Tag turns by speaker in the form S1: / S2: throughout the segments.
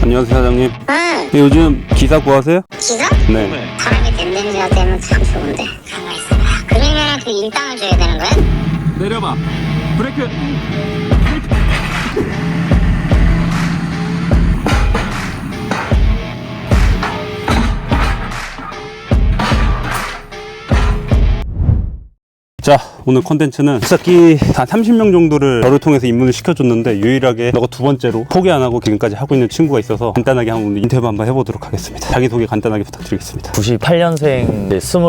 S1: 안녕하세요, 사장님.
S2: 응.
S1: 요즘 기사 구하세요?
S2: 기사?
S1: 네.
S2: 사람이 된 냄새가 되면 참 좋은데 가만히 있어봐. 그러면 그 일당을 줘야 되는 거야?
S1: 내려봐. 브레이크. 자, 오늘 컨텐츠는 습삭기 한 30명 정도를 저를 통해서 입문을 시켜줬는데 유일하게 너가 두 번째로 포기 안 하고 지금까지 하고 있는 친구가 있어서 간단하게 한번 인터뷰 한번 해보도록 하겠습니다. 자기소개 간단하게 부탁드리겠습니다.
S3: 98년생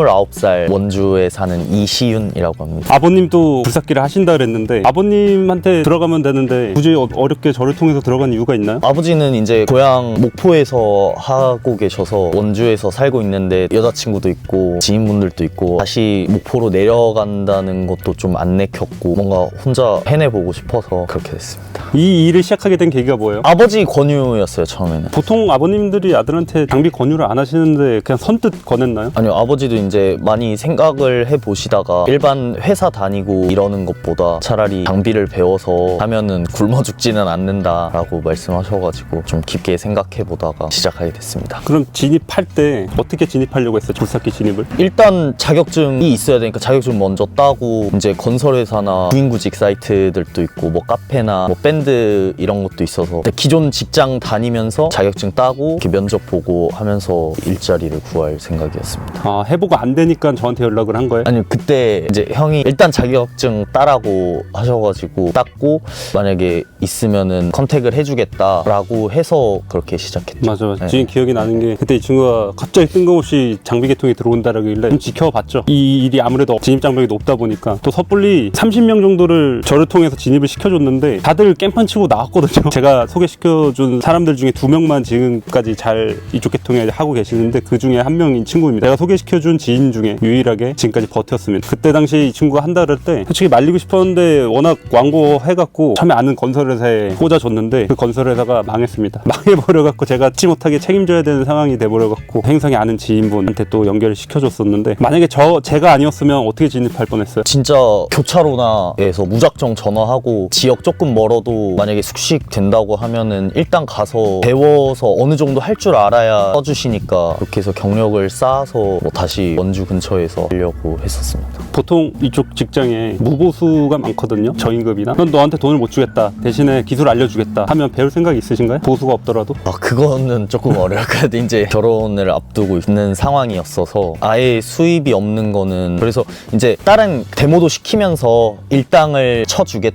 S3: 29살 원주에 사는 이시윤이라고 합니다.
S1: 아버님도 굴삭기를 하신다 그랬는데 아버님한테 들어가면 되는데 굳이 어렵게 저를 통해서 들어간 이유가 있나요?
S3: 아버지는 이제 고향 목포에서 하고 계셔서 원주에서 살고 있는데 여자친구도 있고 지인분들도 있고 다시 목포로 내려간다는 것도 좀 안 내켰고 뭔가 혼자 해내보고 싶어서 그렇게 됐습니다.
S1: 이 일을 시작하게 된 계기가 뭐예요?
S3: 아버지 권유였어요, 처음에는.
S1: 보통 아버님들이 아들한테 장비 권유를 안 하시는데 그냥 선뜻 권했나요?
S3: 아니요, 아버지도 이제 많이 생각을 해보시다가 일반 회사 다니고 이러는 것보다 차라리 장비를 배워서 하면은 굶어 죽지는 않는다라고 말씀하셔가지고 좀 깊게 생각해보다가 시작하게 됐습니다.
S1: 그럼 진입할 때 어떻게 진입하려고 했어요? 굴삭기 진입을?
S3: 일단 자격증이 있어야 되니까 자격증 먼저 따고 이제 건설회사나 구인구직 사이트들도 있고 뭐 카페나 뭐 밴드 이런 것도 있어서 기존 직장 다니면서 자격증 따고 이렇게 면접 보고 하면서 일자리를 구할 생각이었습니다.
S1: 아, 해보고 안 되니까 저한테 연락을 한 거예요?
S3: 아니 그때 이제 형이 일단 자격증 따라고 하셔가지고 땄고 만약에 있으면은 컨택을 해주겠다라고 해서 그렇게 시작했죠.
S1: 맞아.
S3: 네.
S1: 지금 기억이 나는 게 그때 이 친구가 갑자기 뜬금없이 장비 개통이 들어온다라길래 좀 지켜봤죠. 이 일이 아무래도 진입 장벽이 높다 보니까 또 섣불리 30명 정도를 저를 통해서 진입을 시켜줬는데 다들 깽판 치고 나왔거든요. 제가 소개시켜준 사람들 중에 2명만 지금까지 잘 이쪽 개통에 하고 계시는데 그 중에 한 명인 친구입니다. 내가 소개시켜준 지인 중에 유일하게 지금까지 버텼습니다. 그때 당시 이 친구가 한다 그럴 때 솔직히 말리고 싶었는데 워낙 광고해갖고 처음에 아는 건설회사에 꽂아줬는데 그 건설회사가 망했습니다. 망해버려갖고 제가 잊지 못하게 책임져야 되는 상황이 돼버려갖고 행성에 아는 지인분한테 또 연결을 시켜줬었는데 만약에 제가 아니었으면 어떻게 진입할 뻔했어요?
S3: 진짜 교차로나에서 무작정 전화하고 지역 조금 멀어도 만약에 숙식 된다고 하면은 일단 가서 배워서 어느 정도 할 줄 알아야 써주시니까 그렇게 해서 경력을 쌓아서 뭐 다시 원주 근처에서 하려고 했었습니다.
S1: 보통 이쪽 직장에 무보수가 많거든요. 저임금이나 넌 너한테 돈을 못 주겠다 대신에 기술 알려주겠다 하면 배울 생각이 있으신가요? 보수가 없더라도?
S3: 아 그거는 조금 어려울 것 같아요. 이제 결혼을 앞두고 있는 상황이었어서 아예 수입이 없는 거는 그래서 이제 다른 데모도 시키면서 일당을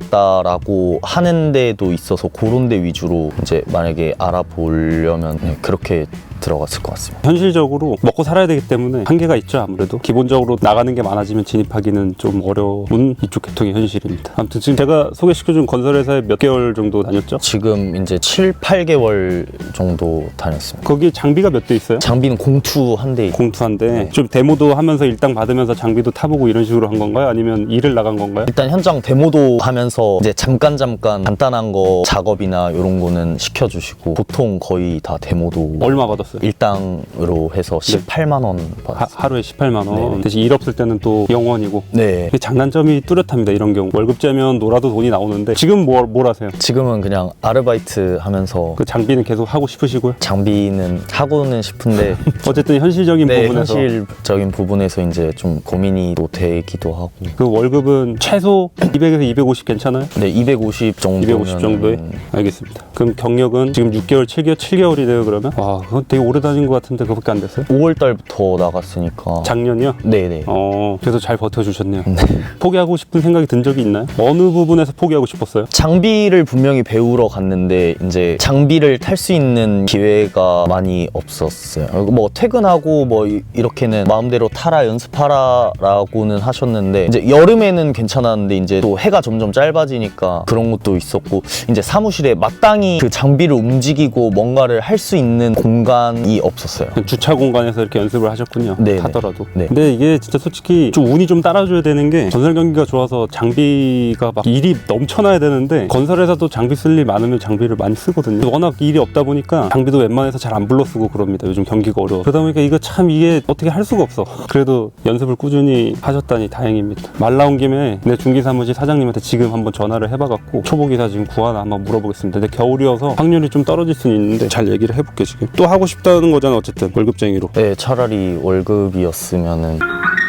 S3: 쳐주겠다라고 하는 데도 있어서 그런 데 위주로 이제 만약에 알아보려면 그렇게 들어갔을 것 같습니다.
S1: 현실적으로 먹고 살아야 되기 때문에 한계가 있죠. 아무래도 기본적으로 나가는 게 많아지면 진입하기는 좀 어려운 이쪽 계통의 현실입니다. 아무튼 지금 제가 소개시켜준 건설회사에 몇 개월 정도 다녔죠?
S3: 지금 이제 7, 8개월 정도 다녔습니다.
S1: 거기 장비가 몇 대 있어요?
S3: 장비는 공투 한 대.
S1: 공투한데
S3: 네.
S1: 좀 데모도 하면서 일당 받으면서 장비도 타보고 이런 식으로 한 건가요? 아니면 일을 나간 건가요?
S3: 일단 현장 데모도 하면서 이제 잠깐 간단한 거 작업이나 이런 거는 시켜주시고 보통 거의 다 데모도
S1: 얼마 받았어요?
S3: 일당으로 해서 18만 원 받았어요.
S1: 하루에 18만 원.
S3: 네.
S1: 대신 일 없을 때는 또 0원이고.
S3: 네.
S1: 장단점이 뚜렷합니다. 이런 경우 월급 째면 놀아도 돈이 나오는데 지금 뭘 하세요?
S3: 지금은 그냥 아르바이트 하면서
S1: 그 장비는 계속 하고 싶으시고요?
S3: 장비는 하고는 싶은데
S1: 어쨌든 현실적인
S3: 네,
S1: 부분에서
S3: 현실적인 부분에서 이제 좀 고민이 또 되기도 하고.
S1: 그 월급은 최소 200에서 250 괜찮아요?
S3: 네, 250 정도.
S1: 250 정도에? 알겠습니다. 그럼 경력은 지금 6개월, 7개월이네요 그러면? 와, 그건 되게 오래 다닌 것 같은데 그거밖에 안 됐어요?
S3: 5월 달부터 나갔으니까.
S1: 작년이요?
S3: 네네.
S1: 그래서 잘 버텨주셨네요. 포기하고 싶은 생각이 든 적이 있나요? 어느 부분에서 포기하고 싶었어요?
S3: 장비를 분명히 배우러 갔는데 이제 장비를 탈 수 있는 기회가 많이 없었어요. 뭐 퇴근하고 뭐 이렇게는 마음대로 타라 연습하라 라고는 하셨는데 이제 여름에는 괜찮았는데 이제 또 해가 점점 짧아지니까 그런 것도 있었고 이제 사무실에 마땅히 그 장비를 움직이고 뭔가를 할 수 있는 공간 공간이 없었어요.
S1: 주차 공간에서 이렇게 연습을 하셨군요.
S3: 네네.
S1: 타더라도.
S3: 네.
S1: 근데 이게 진짜 솔직히 좀 운이 좀 따라줘야 되는 게 건설 경기가 좋아서 장비가 막 일이 넘쳐나야 되는데 건설회사도 장비 쓸 일 많으면 장비를 많이 쓰거든요. 워낙 일이 없다 보니까 장비도 웬만해서 잘 안 불러 쓰고 그럽니다. 요즘 경기가 어려워. 그러다 보니까 이거 참 이게 어떻게 할 수가 없어. 그래도 연습을 꾸준히 하셨다니 다행입니다. 말 나온 김에 내 중기사무실 사장님한테 지금 한번 전화를 해봐갖고 초보기사 지금 구하나 한번 물어보겠습니다. 근데 겨울이어서 확률이 좀 떨어질 수는 있는데 잘 얘기를 해볼게. 지금 또 하고 싶다는 거잖아. 어쨌든 월급쟁이로.
S3: 네, 차라리 월급이었으면은.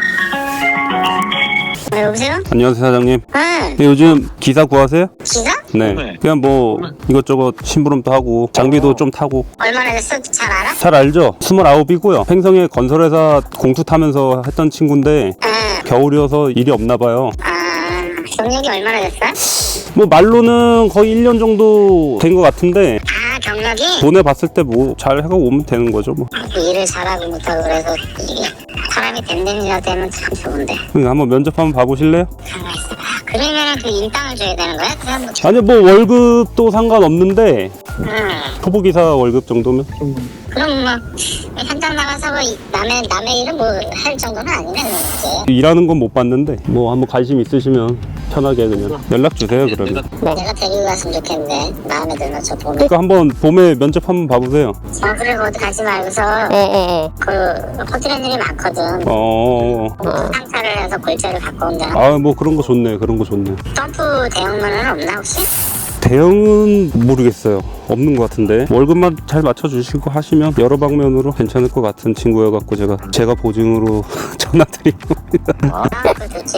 S2: 여보세요?
S1: 안녕하세요 사장님.
S2: 응.
S1: 네, 요즘 기사 구하세요?
S2: 기사?
S1: 네. 그냥 뭐 이것저것 심부름도 하고 장비도 좀 타고.
S2: 얼마나 됐어? 잘 알아?
S1: 잘 알죠? 29이고요. 횡성에 건설회사 공투 타면서 했던 친구인데
S2: 응.
S1: 겨울이어서 일이 없나 봐요.
S2: 아, 경력이 얼마나 됐어?
S1: 뭐 말로는 거의 1년 정도 된 것 같은데
S2: 아, 경력이?
S1: 보내봤을 때 뭐 잘 해가고 오면 되는 거죠 뭐.
S2: 일을 잘하고 못하고 그래서 이게 사람이 댐댐이라 되면 참 좋은데.
S1: 그러니까 한번 면접 한번 봐보실래요?
S2: 가만 있어봐. 그러면 그 인당을 줘야 되는 거야? 그 사람 뭐
S1: 아니요 뭐 월급도 상관없는데
S2: 응.
S1: 초보기사 월급 정도면
S2: 그럼 뭐 현장 나가서 뭐 남의 일을 뭐 할 정도는 아니네 그렇지.
S1: 일하는 건 못 봤는데 뭐 한번 관심 있으시면 편하게 그냥 연락 주세요 그러면.
S2: 내가 데리고 갔으면 좋겠는데 마음에 들면 저 보면.
S1: 그러니까 한번 봄에 면접 한번 봐보세요.
S2: 그래 어디 가지 말고서 그 호텔 일이 많거든. 상차를 해서 골자를 갖고 온다.
S1: 아 뭐 그런 거 좋네. 그런 거 좋네.
S2: 점프 대형만은 없나 혹시?
S1: 대형은 모르겠어요. 없는 것 같은데 월급만 잘 맞춰주시고 하시면 여러 방면으로 괜찮을 것 같은 친구여갖고 제가 보증으로 전화드리고.
S2: 그거 좋지.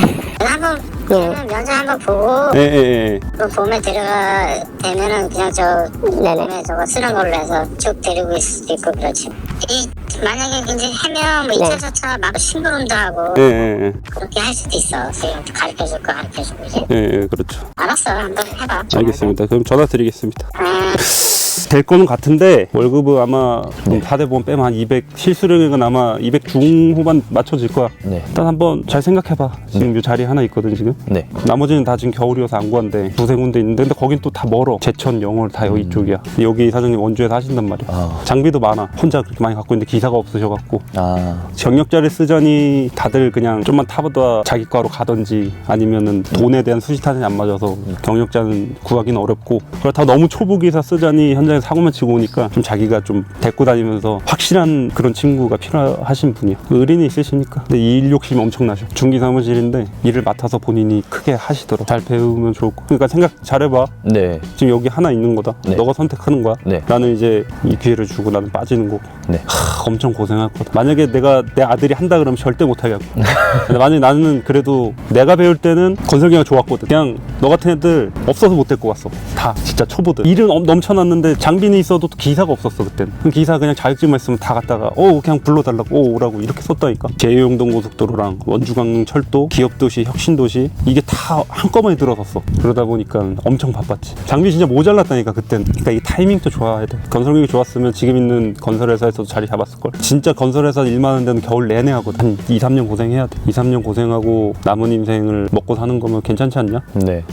S2: 한번 그러면 면접 한번 보고
S1: 예.
S2: 또 봄에 데려가 되면은 그냥 저 봄에 저거 쓰는 걸로 해서 쭉 데리고 있을 수도 있고 그렇지. 이 만약에 이제 하면 뭐 2차 4차 막 심부름도 하고
S1: 예.
S2: 그렇게 할 수도 있어. 지금 가르쳐줄 거 가르쳐주고 이제.
S1: 예, 그렇죠.
S2: 알았어, 한번 해봐.
S1: 알겠습니다. 그럼 전화 드리겠습니다.
S2: 아,
S1: 될 거는 같은데 월급은 아마 4대 보험 빼면 한 200, 실수령액은 아마 200 중후반 맞춰질 거야.
S3: 네.
S1: 일단 한번 잘 생각해봐. 지금 이 자리 하나 있거든 지금.
S3: 네.
S1: 나머지는 다 지금 겨울이어서 안 구한데 두세 군데 있는데 근데 거긴 또 다 멀어. 제천, 영월 다 여기 이쪽이야. 여기 사장님 원주에서 하신단 말이야.
S3: 아.
S1: 장비도 많아. 혼자 그렇게 많이 갖고 있는데 기사가 없으셔갖고
S3: 아.
S1: 경력자를 쓰자니 다들 그냥 좀만 타보다 자기 과로 가든지 아니면은 돈에 대한 수시타산이 안 맞아서 경력자는 구하기는 어렵고 그렇다고 너무 초보기사 쓰자니 현장에 사고만 치고 오니까 좀 자기가 좀 데리고 다니면서 확실한 그런 친구가 필요하신 분이야. 의리는 있으시니까. 근데 일 욕심이 엄청나셔. 중기 사무실인데 일을 맡아서 본인이 크게 하시더라고. 잘 배우면 좋을 거. 그러니까 생각 잘해봐.
S3: 네.
S1: 지금 여기 하나 있는 거다.
S3: 네.
S1: 너가 선택하는 거야.
S3: 네.
S1: 나는 이제 이 기회를 주고 나는 빠지는 거고.
S3: 네.
S1: 엄청 고생할 거다. 만약에 내 아들이 한다 그러면 절대 못 하겠고. 근데 만약에 나는 그래도 내가 배울 때는 건설기가 좋았거든. 그냥 너 같은 애들 없어서 못 데리고 갔어. 다 진짜 초보들. 일은 넘쳐났는데 장비는 있어도 기사가 없었어 그때는. 그럼 기사 그냥 자격증만 있으면 다 갔다가 그냥 불러달라고 오라고 이렇게 썼다니까. 제휴용동 고속도로랑 원주강 철도, 기업도시, 혁신도시 이게 다 한꺼번에 들어섰어. 그러다 보니까 엄청 바빴지. 장비 진짜 모자랐다니까 그때는. 그러니까 이 타이밍도 좋아야 돼. 건설력이 좋았으면 지금 있는 건설회사에서도 자리 잡았을걸. 진짜 건설회사 일 많은 데는 겨울 내내 하거든. 한 2, 3년 고생해야 돼. 2, 3년 고생하고 남은 인생을 먹고 사는 거면 괜찮지 않냐?
S3: 네.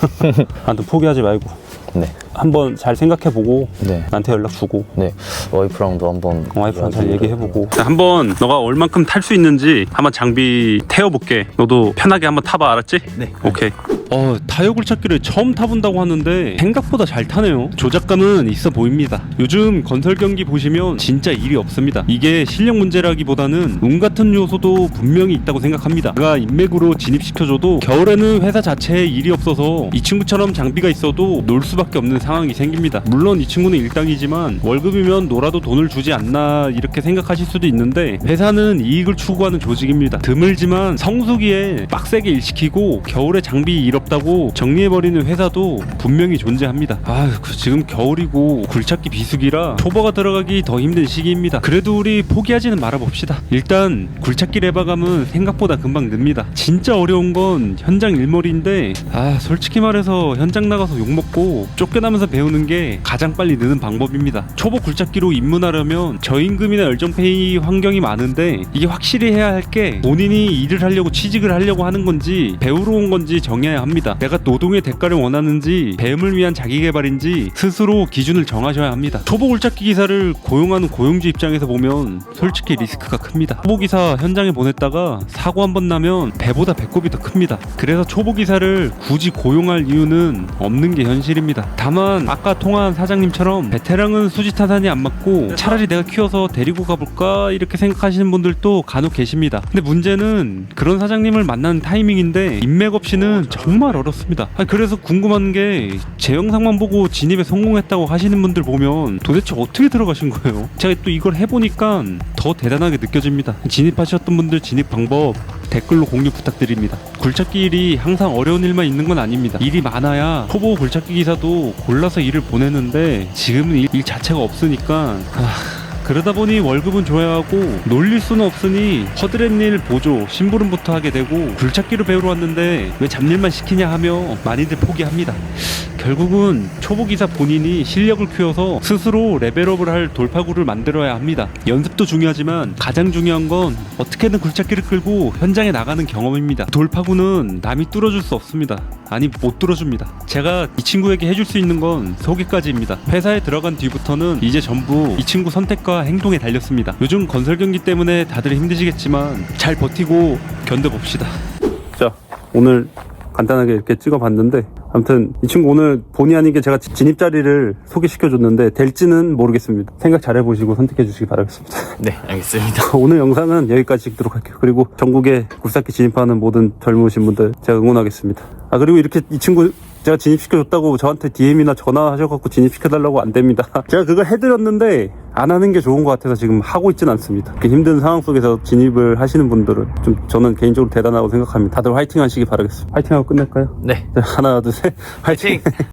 S1: 아무튼 포기하지 말고
S3: 네.
S1: 한번 잘 생각해보고
S3: 네.
S1: 나한테 연락 주고
S3: 네. 와이프랑도 한번
S1: 와이프랑 잘 얘기해보고 한번 너가 얼만큼 탈 수 있는지 한번 장비 태워볼게. 너도 편하게 한번 타봐. 알았지?
S3: 네.
S1: 오케이. 타이어 굴착기를 처음 타본다고 하는데 생각보다 잘 타네요. 조작감은 있어 보입니다. 요즘 건설 경기 보시면 진짜 일이 없습니다. 이게 실력 문제라기보다는 운 같은 요소도 분명히 있다고 생각합니다. 제가 인맥으로 진입시켜줘도 겨울에는 회사 자체에 일이 없어서 이 친구처럼 장비가 있어도 놀 수밖에 없는 상황이 생깁니다. 물론 이 친구는 일당이지만 월급이면 놀아도 돈을 주지 않나 이렇게 생각하실 수도 있는데 회사는 이익을 추구하는 조직입니다. 드물지만 성수기에 빡세게 일시키고 겨울에 장비 일 없다고 정리해버리는 회사도 분명히 존재합니다. 지금 겨울이고 굴착기 비수기라 초보가 들어가기 더 힘든 시기입니다. 그래도 우리 포기하지는 말아봅시다. 일단 굴착기 레바감은 생각보다 금방 늡니다. 진짜 어려운 건 현장 일머리인데 솔직히 말해서 현장 나가서 욕먹고 쫓겨나면서 배우는 게 가장 빨리 느는 방법입니다. 초보 굴착기로 입문하려면 저임금이나 열정페이 환경이 많은데 이게 확실히 해야 할 게 본인이 일을 하려고 취직을 하려고 하는 건지 배우러 온 건지 정해야 합니다. 내가 노동의 대가를 원하는지 배움을 위한 자기개발인지 스스로 기준을 정하셔야 합니다. 초보 굴착기 기사를 고용하는 고용주 입장에서 보면 솔직히 리스크가 큽니다. 초보 기사 현장에 보냈다가 사고 한 번 나면 배보다 배꼽이 더 큽니다. 그래서 초보 기사를 굳이 고용할 이유는 없는 게 현실입니다. 다만 아까 통화한 사장님처럼 베테랑은 수지 타산이 안 맞고 차라리 내가 키워서 데리고 가볼까 이렇게 생각하시는 분들도 간혹 계십니다. 근데 문제는 그런 사장님을 만나는 타이밍인데 인맥 없이는 정말 어렵습니다. 그래서 궁금한 게 제 영상만 보고 진입에 성공했다고 하시는 분들 보면 도대체 어떻게 들어가신 거예요? 제가 또 이걸 해보니까 더 대단하게 느껴집니다. 진입하셨던 분들 진입 방법 댓글로 공유 부탁드립니다. 굴착기 일이 항상 어려운 일만 있는 건 아닙니다. 일이 많아야 초보 굴착기 기사도 골라서 일을 보내는데 지금은 일 자체가 없으니까 그러다 보니 월급은 줘야 하고 놀릴 수는 없으니 허드렛 일 보조 심부름부터 하게 되고 굴착기를 배우러 왔는데 왜 잡일만 시키냐 하며 많이들 포기합니다. 결국은 초보기사 본인이 실력을 키워서 스스로 레벨업을 할 돌파구를 만들어야 합니다. 연습도 중요하지만 가장 중요한 건 어떻게든 굴착기를 끌고 현장에 나가는 경험입니다. 돌파구는 남이 뚫어줄 수 없습니다. 아니 못 뚫어줍니다. 제가 이 친구에게 해줄 수 있는 건 소개까지입니다. 회사에 들어간 뒤부터는 이제 전부 이 친구 선택과 행동에 달렸습니다. 요즘 건설 경기 때문에 다들 힘드시겠지만 잘 버티고 견뎌봅시다. 자, 오늘 간단하게 이렇게 찍어봤는데 아무튼 이 친구 오늘 본의 아니게 제가 진입 자리를 소개시켜줬는데 될지는 모르겠습니다. 생각 잘 해보시고 선택해주시기 바라겠습니다.
S3: 네, 알겠습니다.
S1: 오늘 영상은 여기까지 찍도록 할게요. 그리고 전국에 굴삭기 진입하는 모든 젊으신 분들 제가 응원하겠습니다. 그리고 이렇게 이 친구 제가 진입시켜줬다고 저한테 DM이나 전화하셔갖고 진입시켜달라고 안 됩니다. 제가 그걸 해드렸는데 안 하는 게 좋은 것 같아서 지금 하고 있진 않습니다. 그 힘든 상황 속에서 진입을 하시는 분들은 좀 저는 개인적으로 대단하다고 생각합니다. 다들 화이팅 하시기 바라겠습니다. 화이팅하고 끝낼까요?
S3: 네.
S1: 하나 둘 셋 화이팅!